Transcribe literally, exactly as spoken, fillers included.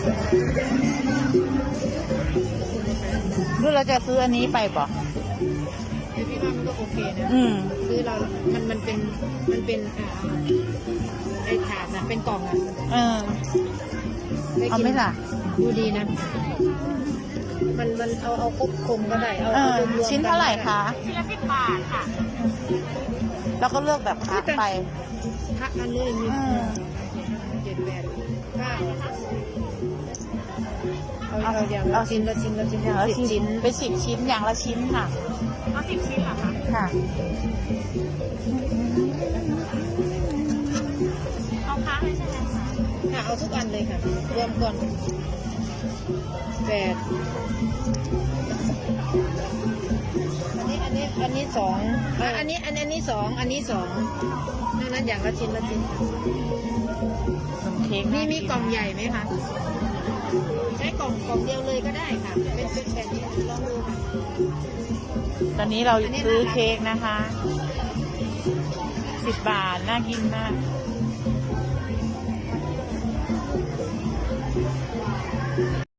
หรือเราจะซื้ออันนี้ไปป่ะพี่ว่ามันก็โอเคนะอืมซื้อเรา มันมันเป็นมันเป็นอ่าไอ้ถาดนะเป็นกล่องอ่ะเออเอาไหมล่ะดูดีนะมันมันเอาเอาครบคมก็ได้เอาเอาชิ้นเท่าไหร่คะชิ้นละสิบบาทค่ะแล้วก็เลือกแบบพักไปพักอันนี้มีเจ็ดแปดเก้าเอาเอาอย่างเอาชิ้นละชิ้นละชิ้นละสิบชิ้นเป็นสิบชิ้นอย่างละชิ้นค่ะเอาสิบชิ้นเหรอคะค่ะเอาค้าเลยใช่ไหมค่ะเอาทุกอันเลยค่ะรวมก่อนแปดอันนี้อันนี้อันนี้สองอันนี้อันนี้สองอันนี้สองนั่นนั้นอย่างละชิ้นละชิ้นขนมเค้กมีมีกล่องใหญ่ไหมคะใช้กล่องกล่องเดียวเลยก็ได้ค่ะเป็นเป็นแบบนี้ลองดูค่ะตอนนี้เราซื้อเค้กนะคะสิบบาทน่ากินมาก